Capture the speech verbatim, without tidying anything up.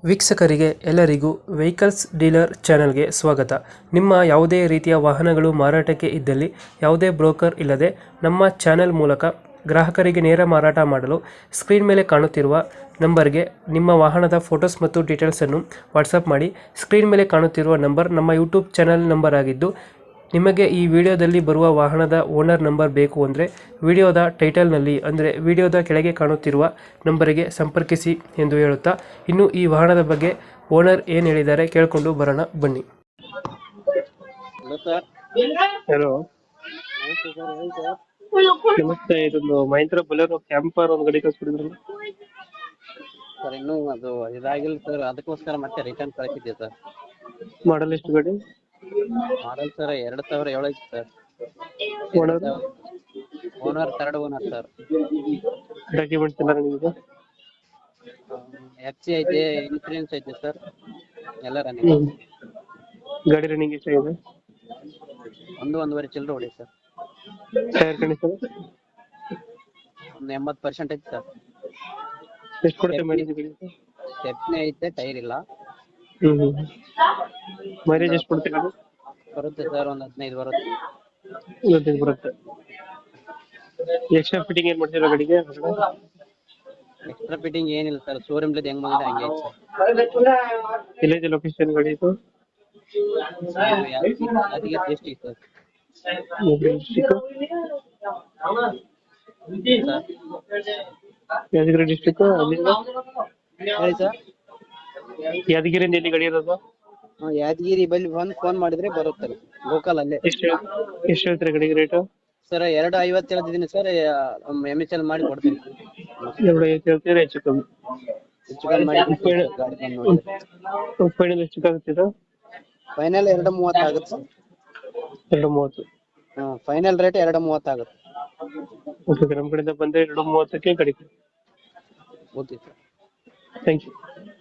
ವೀಕ್ಷಕರಿಗೆ ಎಲ್ಲರಿಗೂ vehicles dealer ಚಾನೆಲ್ಗೆ ಸ್ವಾಗತ. ನಿಮ್ಮ ಯಾವುದೇ ರೀತಿಯ ವಾಹನಗಳು ಮಾರಾಟಕ್ಕೆ ಇದ್ದಲ್ಲಿ ಯಾವುದೇ ಬ್ರೋಕರ್ ಇಲ್ಲದೆ ನಮ್ಮ ಚಾನೆಲ್ ಮೂಲಕ ಗ್ರಾಹಕರಿಗೆ ನೇರ ಮಾರಾಟ ಮಾಡಲು ಸ್ಕ್ರೀನ್ ಮೇಲೆ ಕಾಣುತ್ತಿರುವ ನಂಬರ್ಗೆ ನಿಮ್ಮ ವಾಹನದ ಫೋಟೋಸ್ ಮತ್ತು ಡೀಟೇಲ್ಸನ್ನು ವಾಟ್ಸಪ್ ಮಾಡಿ. ಸ್ಕ್ರೀನ್ ಮೇಲೆ ಕಾಣುತ್ತಿರುವ ನಂಬರ್ ನಮ್ಮ ಯೂಟ್ಯೂಬ್ ಚಾನೆಲ್ ನಂಬರ್ ಆಗಿದ್ದು, ನಿಮಗೆ ಈ ವಿಡಿಯೋದಲ್ಲಿ ಬರುವ ವಾಹನದ ಓನರ್ ನಂಬರ್ ಬೇಕು ಅಂದರೆ ವಿಡಿಯೋದ ಟೈಟಲ್ನಲ್ಲಿ ಅಂದರೆ ವಿಡಿಯೋದ ಕೆಳಗೆ ಕಾಣುತ್ತಿರುವ ನಂಬರಿಗೆ ಸಂಪರ್ಕಿಸಿ ಎಂದು ಹೇಳುತ್ತಾ, ಇನ್ನು ಈ ವಾಹನದ ಬಗ್ಗೆ ಓನರ್ ಏನು ಹೇಳಿದ್ದಾರೆ ಕೇಳಿಕೊಂಡು ಬರೋಣ ಬನ್ನಿ. Hello sir. ಹಲೋ, ನಮಸ್ತೆ ಸರ್, ಹೇಳಿ ಸರ್. ನಮಸ್ತೆ. ಇದೊಂದು ಮಹೇಂದ್ರ ಬೊಲೆರೋ ಕ್ಯಾಂಪರ್ ಒಂದು ಗಾಡಿ ಕಳಿಸ್ಬಿಡಿದ್ರಲ್ಲ. ಸರ್ ಇನ್ನೂ ಅದು ಇದಾಗಿಲ್ಲ ಸರ್, ಅದಕ್ಕೋಸ್ಕರ ಮತ್ತೆ ರಿಟರ್ನ್ ಕಳಿಸಿದ್ದೆ ಸರ್. ಮಾಡಲ್ ಎಷ್ಟು ಗಾಡಿ? ಮಾಡಲ್ ಸರ್ ಎರಡು ಸಾವಿರ ಏಳು ಐತಿ sir. Owner owner third owner sir. Documents ಎಲ್ಲ ನಿಮಗೆ? ಎಫ್ ಸಿ ಐತೆ, ಇನ್ಸೂರೆನ್ಸ್ ಐತೆ ಸರ್, ಎಲ್ಲ ರನ್ನಿಂಗ್. ಗಾಡಿ ರನ್ನಿಂಗ್ ಎಷ್ಟಾಗಿದೆ? ಒಂದು ಒಂದೂವರೆ ಚಿಲ್ಲರೆ ಹೊಡಿ ಸರ್. ಟೈರ್ ಕಂಡೀಷನ್ ಒಂದು ಎಂಬತ್ತು ಪರ್ಸೆಂಟ್ ಐತೆ ಸರ್. ಎಷ್ಟು ಕೊಡುತ್ತೆ ಮೈಲೇಜ್ ಗಾಡಿ? ಸ್ಟೆಪ್ನಿ ಐತೆ, ಟೈರ್ ಇಲ್ಲ. ಹ್ಮ್ ಮೈಲೇಜ್ ಎಷ್ಟು ಕೊಡುತ್ತೆ ಗಾಡಿ? ಬರುತ್ತೆ ಸರ್, ಒಂದು ಹದಿನೈದು ಬರುತ್ತೆ. ಇವತ್ತೈದು ಬರುತ್ತೆ. ಎಕ್ಸ್ಟ್ರಾ ಫಿಟ್ಟಿಂಗ್ ಏನ್ ಮಾಡ್ತೀರಾ ಗಾಡಿಗೆ? ಎಕ್ಸ್ಟ್ರಾ ಫಿಟ್ಟಿಂಗ್ ಏನಿಲ್ಲ ಸರ್, ಶೋರೂಮ್ಲಿದ್ದು ಹೆಂಗ್ ಬಂದಿದೆ ಹಂಗೆ ಐತೆ ಸರ್. ಎಲ್ಲೈತೆ ಲೊಕೇಶನ್ ಗಾಡಿ ಇದು? ಇದು Yadgiri Yadgiri district sir. Yadgiri district. ಅಲ್ಲಿಂದ ಹೇಳಿ ಸರ್. ಯಾದಗಿರಿಯಿಂದ ಎಲ್ಲಿ ಗಾಡಿ ಇರೋದು? ಹಾ, ಯಾದಗಿರಿ ಬಲ್ಲಿ ಬಂದು ಫೋನ್ ಮಾಡಿದ್ರೆ ಬರುತ್ತೆ ಲೋಕಲ್ ಅಲ್ಲೇ. ಎಷ್ಟು ಎಷ್ಟು ಹೇಳ್ತೀರಾ ಗಾಡಿಗೆ ರೇಟು? ಸರ್ ಎರಡು ಐವತ್ತು ಹೇಳ್ತಿದ್ದೀನಿ ಸರ್, ಎಮ್ ಎಚ್ ಎಲ್ ಮಾಡಿ ಕೊಡ್ತೀನಿ. ಎರಡು ಐವತ್ತು ಹೇಳ್ತೀರಾ? ಹೆಚ್ಚು ಕಮ್ಮಿ ಹೆಚ್ಚು ಕಮ್ಮಿ ಮಾಡಿ ಕೊಡ್ತೀನಿ ಸರ್, ಗಾಡಿ ಬಂದು ನೋಡಿದ್ರೆ. ಫೈನಲ್ ಎಷ್ಟು ಆಗುತ್ತೆ ಇದು? ಫೈನಲ್ ಎರಡು ಮೂವತ್ತು ಆಗುತ್ತೆ ಸರ್. ಎರಡು ಮೂವತ್ತು? ಹಾಂ, ಫೈನಲ್ ರೇಟ್ ಎರಡು ಮೂವತ್ತು ಆಗುತ್ತೆ. ಓಕೆ, ನಮ್ಮ ಕಡೆಯಿಂದ ಬಂದರೆ ಎರಡು ಮೂವತ್ತಕ್ಕೆ ಗಾಡಿ. Okay sir. Thank you.